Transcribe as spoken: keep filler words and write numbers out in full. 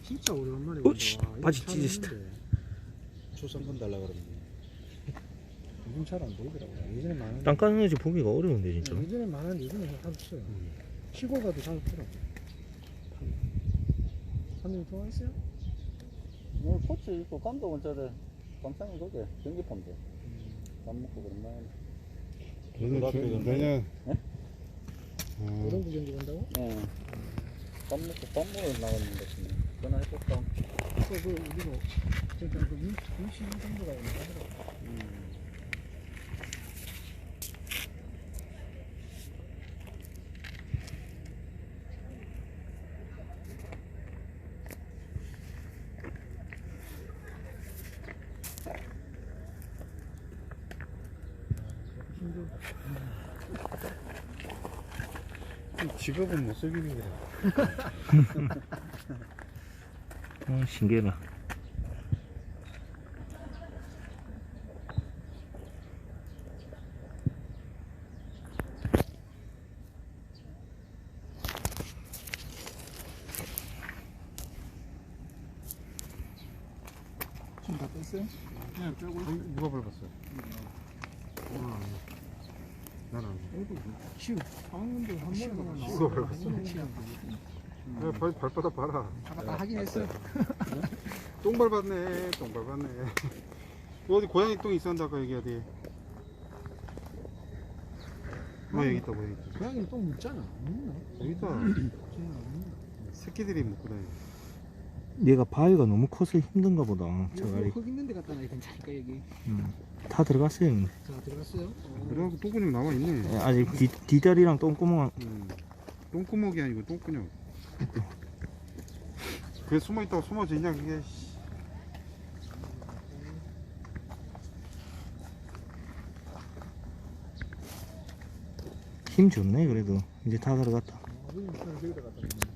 진짜 오랜만에 어, 씨, 본다. 와, 바지 이거 찢어졌다. 차는데 초상권 달라 그러는데 요즘 잘 안 보이더라고. 예전에 많은. 땅 까는 집 보기가 어려운데 진짜. 네, 예전에 많은 요즘에 잘 없어요. 시골 가도 잘 없더라고. 사장님 좋아했어요? 오늘 코치 있고 감독 원자래 감상이 거기 경기판데 밥 먹고 그런다. 내년 내년 네? 어, 오동구 경기 간다고? 예. 밥 먹고 밥 먹으러 나갔는데 전화해볼까? 그, 그, 우리도 진짜 그 유시 정도가 있는 하더라고. 음. 직업은 못 속이는 거야. 어, 신기하다. 지금 다 뺐어요? 그냥 빼고 누가 밟았어요? 오늘 안 해. 난 안 해. 어이구, 치우. 방금도 한 번에 치우가 밟았어. 야, 발, 발바닥 봐라. 아까 하긴 했어. 똥 밟았네. 똥 밟았네. 어디 고양이 똥 있었는데 아까 여기 어디. 뭐 여기 있다 고양이 똥. 고양이는 똥 묻잖아. 묻나? 여기 있다. 쟤는 안 묻나? 새끼들이 먹고 다녀. 얘가 바위가 너무 커서 힘든가 보다. 여기 저가리. 흙 있는 데 갖다 놔야 괜찮으니까 여기. 음. 다 들어갔어요. 형님. 자, 들어갔어요? 어. 그래갖고 똥구녕 남아있네. 예, 아직 뒤, 뒷다리랑 똥구멍. 음. 똥구멍이 아니고 똥구녕. 그게 숨어있다고 숨어져 있냐 그게. 힘 좋네 그래도. 이제 다 들어갔다. 어, 여기 저기다 갖다 놔.